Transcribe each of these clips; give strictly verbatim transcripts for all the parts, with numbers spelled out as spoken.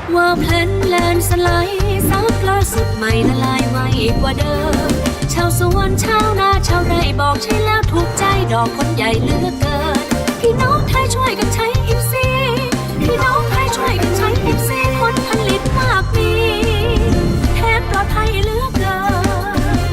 ว่าแพลนแลนสไลด์ซับล่าสุดใหม่ละลายไวกว่าเดิมชาวสวนชาวนาชาวไร่บอกใช่แล้วถูกใจดอกคนใหญ่เหลือกเกินพี่น้องไทยช่วยกันใช้อิฟซีพี่น้องไทยช่วยกันใช้อิฟซีผลผลิตมากมีแทนปลอดภัยเหลือกเกิน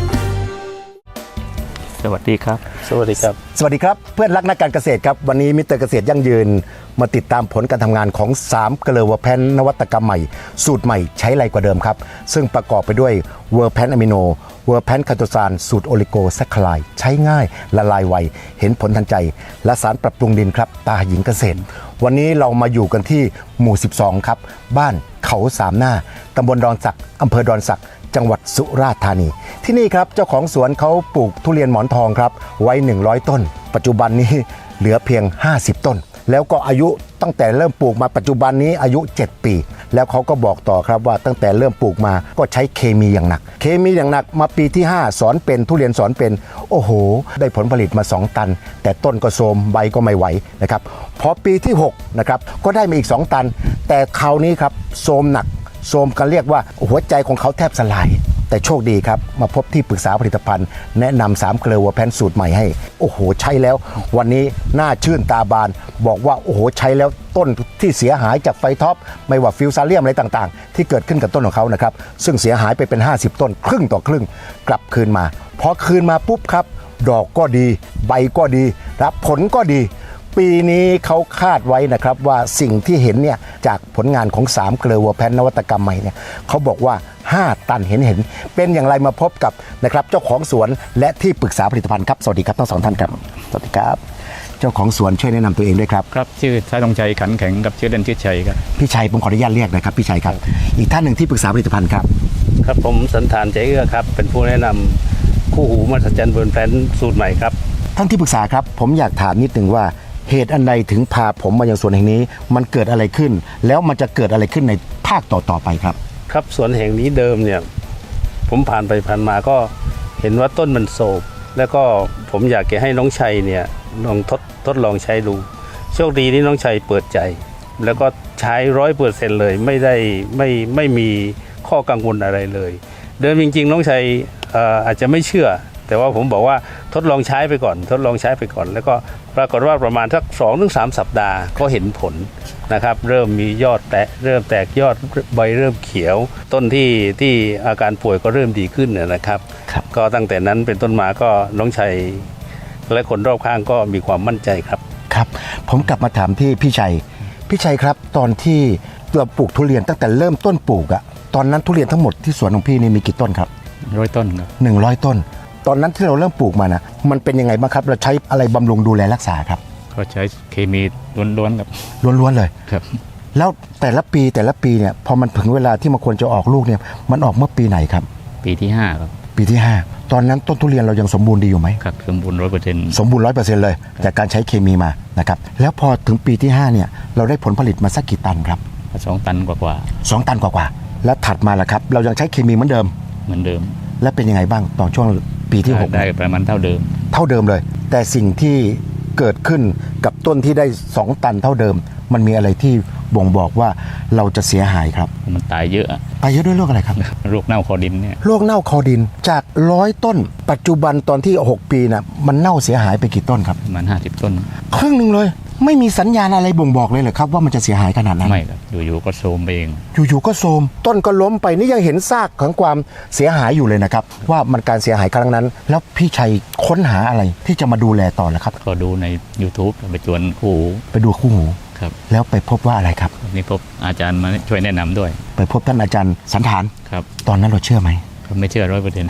สวัสดีครับสวัสดีครับสวัสดีครับเพื่อนรักนักการเกษตรครับวันนี้มิสเตอร์เกษตรยั่งยืนมาติดตามผลการทำงานของสามเกลือเวอร์แพนนวัตกรรมใหม่สูตรใหม่ใช้ไรกว่าเดิมครับซึ่งประกอบไปด้วยเวอร์แพนอะมิโนเวอร์แพนคาโตซานสูตรโอลิโกแซคคลายใช้ง่ายละลายไวเห็นผลทันใจและสารปรับปรุงดินครับตาหญิงเกษตรวันนี้เรามาอยู่กันที่หมู่สิบสองครับบ้านเขาสามหน้าตำบลดอนสักอำเภอดอนสักจังหวัดสุราษฎร์ธานีที่นี่ครับเจ้าของสวนเขาปลูกทุเรียนหมอนทองครับไว้หนึ่งร้อยต้นปัจจุบันนี้เหลือเพียงห้าสิบต้นแล้วก็อายุตั้งแต่เริ่มปลูกมาปัจจุบันนี้อายุเจ็ดปีแล้วเขาก็บอกต่อครับว่าตั้งแต่เริ่มปลูกมาก็ใช้เคมีอย่างหนักเคมีอย่างหนักมาปีที่ห้าสอนเป็นทุเรียนสอนเป็นโอ้โหได้ผลผลิตมาสองตันแต่ต้นก็โทรมใบก็ไม่ไหวนะครับพอปีที่หกนะครับก็ได้มาอีกสองตันแต่คราวนี้ครับโทรมหนักโทรมกันเรียกว่าหัวใจของเขาแทบสลายแต่โชคดีครับมาพบที่ปรึกษาผลิตภัณฑ์แนะนำสามเกลือเวอร์แพนสูตรใหม่ให้โอ้โหใช้แล้ววันนี้หน้าชื่นตาบานบอกว่าโอ้โหใช้แล้วต้นที่เสียหายจากไฟท็อปไม่ว่าฟิวซาเลียมอะไรต่างๆที่เกิดขึ้นกับต้นของเขานะครับซึ่งเสียหายไปเป็นห้าสิบต้นครึ่งต่อครึ่งกลับคืนมาพอคืนมาปุ๊บครับดอกก็ดีใบก็ดีรับผลก็ดีปีนี้เขาคาดไว้นะครับว่าสิ่งที่เห็นเนี่ยจากผลงานของสามเกลือเวอร์แพนนวัตกรรมใหม่เนี่ยเขาบอกว่าห้าตันเห็นเห็นเป็นอย่างไรมาพบกับนะครับเจ้าของสวนและที่ปรึกษาผลิตภัณฑ์ครับสวัสดีครับทั้งสองท่านครับสวัสดีครับเจ้าของสวนช่วยแนะนำตัวเองด้วยครับครับชื่อชายธงชัยขันแข็งกับชื่อเล่นชื่อชัยครับพี่ชัยผมขออนุญาตเรียกนะครับพี่ชัยครับอีกท่านหนึ่งที่ปรึกษาผลิตภัณฑ์ครับครับผมสันธานใจเอื้อครับเป็นผู้แนะนำคู่หูมหัศจรรย์เวอร์แพนสูตรใหม่ครับท่านที่ปรึกษาครับผมอยากถามนิดนึงว่าเหตุอันใดถึงพาผมมายังสวนแห่งนี้มันเกิดอะไรขึ้นแล้วมันจะเกิดอะไรขึ้นในภาคต่อๆไปครับครับสวนแห่งนี้เดิมเนี่ยผมผ่านไปผ่านมาก็เห็นว่าต้นมันโศกแล้วก็ผมอยากจะให้น้องชัยเนี่ยลองทดทดลองใช้ดูโชคดีที่น้องชัยเปิดใจแล้วก็ใช้ร้อยเปอร์เซ็นต์เลยไม่ได้ไม่ไม่มีข้อกังวลอะไรเลยเดิมจริงๆน้องชัย เอ่อ อาจจะไม่เชื่อแต่ว่าผมบอกว่าทดลองใช้ไปก่อนทดลองใช้ไปก่อนแล้วก็ปรากฏว่าประมาณสักสองถึงสามสัปดาห์ก็เห็นผลนะครับเริ่มมียอดแตกเริ่มแตกยอดใบเริ่มเขียวต้นที่ที่อาการป่วยก็เริ่มดีขึ้นนะครับก็ตั้งแต่นั้นเป็นต้นมาก็น้องชัยและคนรอบข้างก็มีความมั่นใจครับครับผมกลับมาถามที่พี่ชัยพี่ชัยครับตอนที่เราปลูกทุเรียนตั้งแต่เริ่มต้นปลูกอะตอนนั้นทุเรียนทั้งหมดที่สวนของพี่นี่มีกี่ต้นครับร้อยต้นครับหนึ่งร้อยต้นตอนนั้นที่เราเริ่มปลูกมานะมันเป็นยังไงบ้างครับเราใช้อะไรบำรุงดูแลรักษาครับก็ใช้เคมีล้วนๆครับล้วนๆเลยครับแล้วแต่ละปีแต่ละปีเนี่ยพอมันถึงเวลาที่มันควรจะออกลูกเนี่ยมันออกเมื่อปีไหนครับปีที่ห้าครับปีที่ห้าตอนนั้นต้นทุเรียนเรายังสมบูรณ์ดีอยู่ไหมครับสมบูรณ์ร้อยเปอร์เซ็นต์สมบูรณ์ร้อยเปอร์เซ็นต์เลยจากการใช้เคมีมานะครับแล้วพอถึงปีที่ห้าเนี่ยเราได้ผลผลิตมาสักกี่ตันครับสองตันกว่าๆสองตันกว่าๆแล้วถัดมาล่ะครับเรายังใช้เคมีเหมือนเดิมเหมือนเดิมและเป็นยังไงบ้างตอนช่วงปีที่หกได้ประมาณเท่าเดิมเท่าเดิมเลยแต่สิ่งที่เกิดขึ้นกับต้นที่ได้สองตันเท่าเดิมมันมีอะไรที่บ่งบอกว่าเราจะเสียหายครับมันตายเยอะตายเยอะด้วยโรคอะไรครับโรคเน่าคอดินเนี่ยโรคเน่าคอดินจากร้อยต้นปัจจุบันตอนที่หกปีน่ะมันเน่าเสียหายไปกี่ต้นครับประมาณห้าสิบต้นครึ่งนึงเลยไม่มีสัญญาณอะไรบ่งบอกเลยเหรอครับว่ามันจะเสียหายขนาดนั้นไม่ครับอยู่ๆก็โทรมไปเองอยู่ๆก็โทรมต้นก็ล้มไปนี่ยังเห็นซากของความเสียหายอยู่เลยนะครับว่ามันการเสียหายครั้งนั้นแล้วพี่ชัยค้นหาอะไรที่จะมาดูแลต่อแล้วครับก็ดูใน YouTube ไปจวนคู่หูไปดูคู่หูครับแล้วไปพบว่าอะไรครับนี่พบอาจารย์มาช่วยแนะนำด้วยไปพบท่านอาจารย์สันธานครับตอนนั้นเราเชื่อไหมก็ไม่เชื่อร้อยเปอร์เซ็นต์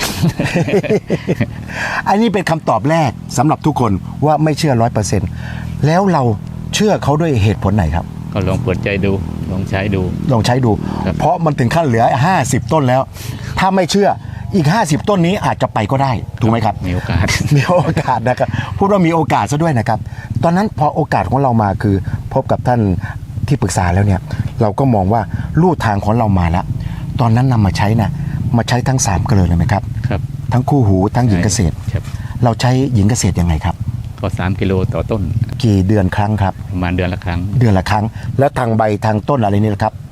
อันนี้เป็นคำตอบแรกสำหรับทุกคนว่าไม่เชื่อร้อยเปอร์เซ็นต์แล้วเราเชื่อเขาด้วยเหตุผลไหนครับก็ลองเปิดใจดูลองใช้ดูลองใช้ดูเพราะมันถึงขั้นเหลือห้าสิบต้นแล้วถ้าไม่เชื่ออีกห้าสิบต้นนี้อาจจะไปก็ได้ถูกไหมครับมีโอกาสมีโอกาสนะครับพูดว่ามีโอกาสซะด้วยนะครับตอนนั้นพอโอกาสของเรามาคือพบกับท่านที่ปรึกษาแล้วเนี่ยเราก็มองว่าลู่ทางของเรามาแล้วตอนนั้นนำมาใช้นะมาใช้ทั้งสามเกลือเลยไหมครับครับทั้งคู่หูทั้งหญิงเกษตรเราใช้หญิงเกษตรยังไงครับก็สามกิโลต่อต้นกี่เดือนครั้งครับประมาณเดือนละครั้งเดือนละครั้งแล้วทางใบทางต้นอะไรนี่นะครับ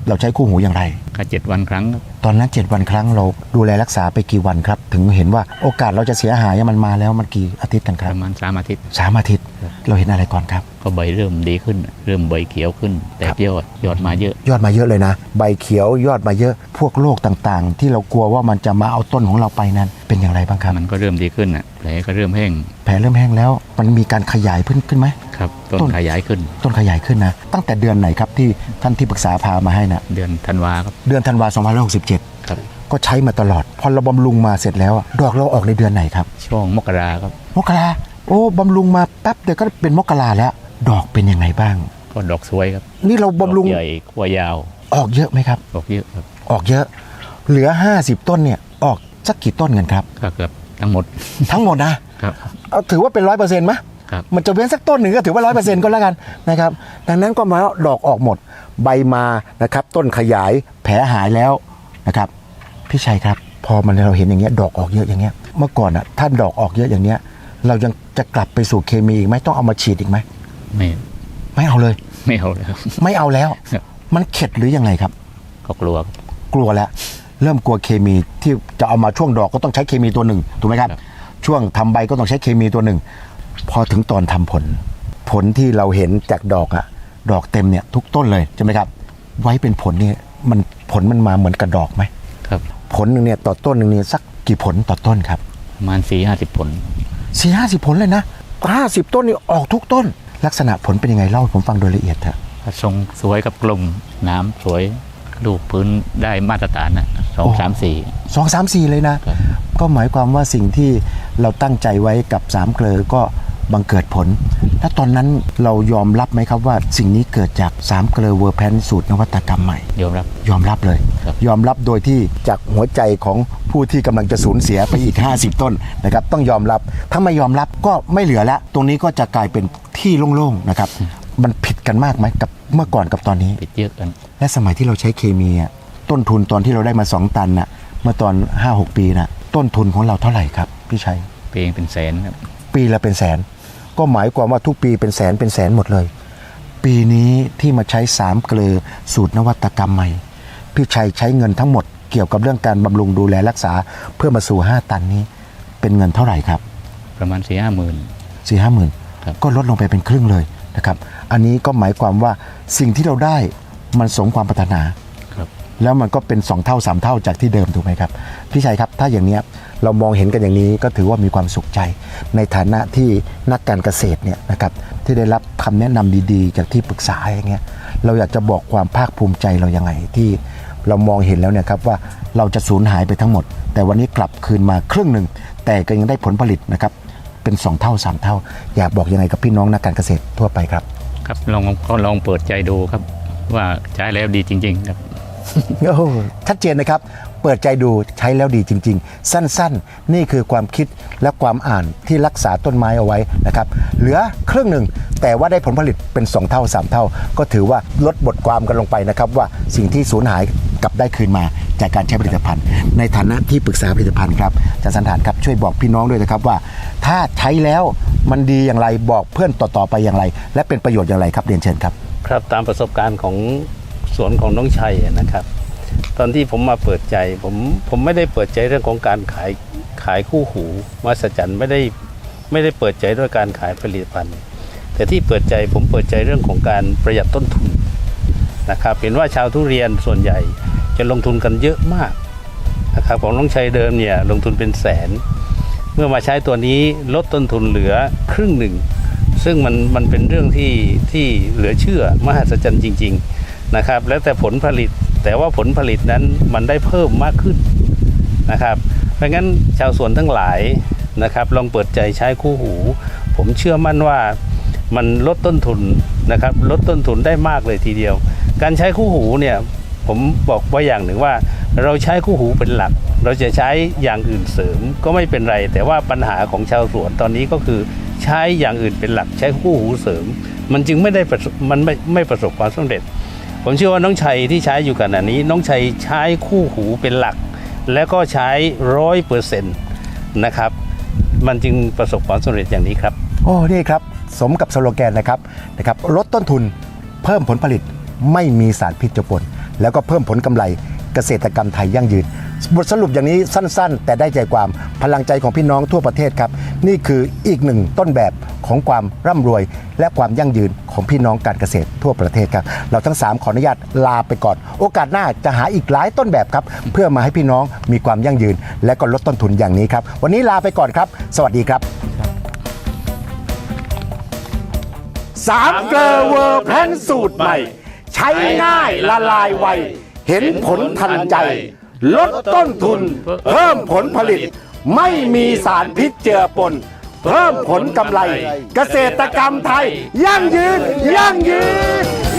เราใช้คู่หูอย่างไรก็เจ็ดวันครั้งครับตอนนั้นเจ็ดวันครั้งเราดูแลรักษาไปกี่วันครับ ถึงเห็นว่าโอกาสเราจะเสียหายมันมาแล้วมันกี่อาทิตย์กันคปรับระมาณสามอาทิตย์สามอาทิตย์เราเห็นอะไรก่อนครับก็ใบเริ่มดีขึ้น เริ่มใบเขียวขึ้น แต่ยอดยอดมาเยอะยอดมาเยอะเลยนะ ใบเขียวยอดมาเยอะพวกโรคต่างๆ ที่เรากลัวว่ามันจะมาเอาต้นของเราไปนั้นเป็นอย่างไรบ้างครับมันก็เริ่มดีขึ้นอ่ะแผลก็เริ่มแห้งแผลเริ่มแห้งแล้วมันมีการขยายขึ้นขึ้นไหมครับต้นต้นขยายขึ้นต้นขยายขึ้นนะตั้งแต่เดือนไหนครับที่ท่านที่ปรึกษาพามาให้นะเดือนธันวาครับเดือนธันวาคมสองพันห้าร้อยหกสิบเจ็ดครับก็ใช้มาตลอด พอเราบำรุงมาเสร็จแล้วอะดอกเราออกในเดือนไหนครับช่วงมกราครับมกราโอ้บำรุงมาแป๊บเดียวก็เป็นมกราแล้ว ดอกเป็นยังไงบ้างก็ดอกสวยครับนี่เราบำรุงดอกใหญ่ขั้วยาวออกเยอะไหมครับดอกเยอะครับออกเยอะ เหลือห้าสิบต้นเนี่ยออกสักกี่ต้นกันครับก็เกือบทั้งหมดทั้งหมดนะครับ เอาถือว่าเป็นร้อยเปอร์เซ็นต์ไหมครับมันจะเว้นสักต้นหนึ่งก็ถือว่าร้อยเปอร์เซ็นต์ก็แล้วกันนะครับดังนั้นก็หมายว่าดอกออกหมดใบมานะครับต้นขยายแผลหายแล้วนะครับพี่ชัยครับ พอมันเราเห็นอย่างเงี้ยดอกออกเยอะอย่างเงี้ยเมื่อก่อนอ่ะถ้าดอกออกเยอะอย่างเงี้ยเรายังจะกลับไปสู่เคมีอีกไหมต้องเอามาฉีดอีกไหมไม่ไม่เอาเลยไม่เอาเลยครับไม่เอาแล้วครับมันเข็ดหรือยังไงครับก็กลัวครับกลัวแล้วเริ่มกลัวเคมีที่จะเอามาช่วงดอกก็ต้องใช้เคมีตัวหนึ่งถูกไหมครับครับช่วงทำใบก็ต้องใช้เคมีตัวหนึ่งพอถึงตอนทำผล ผลที่เราเห็นจากดอกอะดอกเต็มเนี่ยทุกต้นเลยใช่ไหมครับ ไว้เป็นผลเนี่ยมันผลมันมาเหมือนกับดอกไหมครับผลหนึ่งเนี่ยต่อต้นหนึ่งเนี่ยสักกี่ผลต่อต้นครับประมาณสี่ห้าสิบผลสี่ห้าสิบผลเลยนะห้าสิบต้นนี่ออกทุกต้น ลักษณะผลเป็นยังไงเล่าให้ผมฟังโดยละเอียดเถอะทรงสวยกับกลมน้ำสวยลูกพื้นได้มาตรฐานนะสองสามสี่สองสามสี่เลยนะครับก็หมายความว่าสิ่งที่เราตั้งใจไว้กับสามเกลอก็บังเกิดผล แล้วตอนนั้นเรายอมรับไหมครับว่าสิ่งนี้เกิดจากสามเกลอเวอร์แพนสูตรนวัตกรรมใหม่ยอมรับยอมรับเลยครับยอมรับโดยที่จากหัวใจของผู้ที่กำลังจะสูญเสียไปอีก ห้าสิบ ต้นนะครับต้องยอมรับถ้าไม่ยอมรับก็ไม่เหลือแล้วตรงนี้ก็จะกลายเป็นที่โล่งๆนะครับมันผิดกันมากไหมกับเมื่อก่อนกับตอนนี้ปิดเยอะกันและสมัยที่เราใช้เคมีอะต้นทุนตอนที่เราได้มาสองตันน่ะเมื่อตอน ห้าหก ปีน่ะต้นทุนของเราเท่าไหร่ครับพี่ชัยเพลงเป็นแสนครับปีละเป็นแสน ก็หมายความว่าทุกปีเป็นแสนเป็นแสนหมดเลย ปีนี้ที่มาใช้สามเกลือสูตรนวัตกรรมใหม่พี่ชัยใช้เงินทั้งหมดเกี่ยวกับเรื่องการบำรุงดูแลรักษาเพื่อมาสู่ห้าตันนี้เป็นเงินเท่าไหร่ครับประมาณสี่ห้าหมื่นสี่ห้าหมื่นครับก็ลดลงไปเป็นครึ่งเลยนะครับอันนี้ก็หมายความว่าสิ่งที่เราได้มันสมความปรารถนาครับแล้วมันก็เป็นสองเท่าสามเท่าจากที่เดิมถูกไหมครับพี่ชัยครับถ้าอย่างเนี้ยเรามองเห็นกันอย่างนี้ก็ถือว่ามีความสุขใจ ในฐานะที่นักการเกษตรเนี่ยนะครับที่ได้รับคำแนะนำดีๆ จากที่ปรึกษาอย่างเงี้ยเราอยากจะบอกความภาคภูมิใจเรายังไงที่เรามองเห็นแล้วเนี่ยครับว่าเราจะสูญหายไปทั้งหมด แต่วันนี้กลับคืนมาครึ่งหนึ่งแต่ก็ยังได้ผลผลิตนะครับเป็นสองเท่าสามเท่า อยากบอกยังไงกับพี่น้องนักการเกษตรทั่วไปครับครับลองก็ลองเปิดใจดูครับ ว่าใช้แล้วดีจริงๆครับโอ้โหชัดเจนนะครับ เปิดใจดูใช้แล้วดีจริง ๆ สั้นๆ นี่คือความคิดและความอ่านที่รักษาต้นไม้เอาไว้นะครับ เหลือครึ่งหนึ่งแต่ว่าได้ผลผลิตเป็นสองเท่าสามเท่า ก็ถือว่าลดบทความกันลงไปนะครับว่าสิ่งที่สูญหายกลับได้คืนมาจากการใช้ผลิตภัณฑ์ ในฐานะที่ปรึกษาผลิตภัณฑ์ครับอาจารย์สันฐานครับช่วยบอกพี่น้องด้วยนะครับว่า ถ้าใช้แล้วมันดีอย่างไรบอกเพื่อนต่อๆไปอย่างไร และเป็นประโยชน์อย่างไรครับเรียนเชิญครับครับตามประสบการณ์ของสวนของน้องชัยนะครับ ตอนที่ผมมาเปิดใจผมผมไม่ได้เปิดใจเรื่องของการขายขายคู่หูมหัศจรรย์ไม่ได้ไม่ได้เปิดใจด้วยการขายผลิตภัณฑ์ แต่ที่เปิดใจผมเปิดใจเรื่องของการประหยัดต้นทุนนะครับเห็นว่าชาวทุเรียนส่วนใหญ่จะลงทุนกันเยอะมากนะครับของน้องชัยเดิมเนี่ยลงทุนเป็นแสน เมื่อมาใช้ตัวนี้ลดต้นทุนเหลือครึ่งหนึ่งซึ่งมันมันเป็นเรื่องที่ที่เหลือเชื่อมหัศจรรย์จริงๆนะครับแล้วแต่ผลผลิตแต่ว่าผลผลิตนั้นมันได้เพิ่มมากขึ้นนะครับเพราะงั้นชาวสวนทั้งหลายนะครับลองเปิดใจใช้คู่หูผมเชื่อมั่นว่ามันลดต้นทุนนะครับลดต้นทุนได้มากเลยทีเดียวการใช้คู่หูเนี่ยผมบอกไว้อย่างหนึ่งว่าเราใช้คู่หูเป็นหลักเราจะใช้อย่างอื่นเสริมก็ไม่เป็นไรแต่ว่าปัญหาของชาวสวนตอนนี้ก็คือใช้อย่างอื่นเป็นหลักใช้คู่หูเสริมมันจึงไม่ได้ประสบมันไม่ไม่ประสบความสำเร็จผมเชื่อว่าน้องชัยที่ใช้อยู่ขณะนี้น้องชัยใช้คู่หูเป็นหลักแล้วก็ใช้ร้อยเปอร์เซ็นต์นะครับมันจึงประสบความสำเร็จอย่างนี้ครับโอ้นี่ครับสมกับสโลแกนนะครับนะครับลดต้นทุนเพิ่มผลผลิตไม่มีสารพิษเจือปนแล้วก็เพิ่มผลกำไรเกษตรกรรมไทยยั่งยืนบทสรุปอย่างนี้สั้นๆ แต่ได้ใจความพลังใจของพี่น้องทั่วประเทศครับนี่คืออีกหนึ่งต้นแบบของความร่ำรวยและความยั่งยืนของพี่น้องการเกษตรทั่วประเทศครับเราทั้งสามขออนุญาตลาไปก่อนโอกาสหน้าจะหาอีกหลายต้นแบบครับเพื่อมาให้พี่น้องมีความยั่งยืนและก็ลดต้นทุนอย่างนี้ครับวันนี้ลาไปก่อนครับสวัสดีครับสามเกลอเวอร์แพนสูตรใหม่ใช้ง่ายละลายไวเห็นผลทันใจลดต้นทุนเพิ่มผลผลิตไม่มีสารพิษเจือปนเพิ่มผลกำไรเกษตรกรรมไทยยั่งยืนยั่งยืน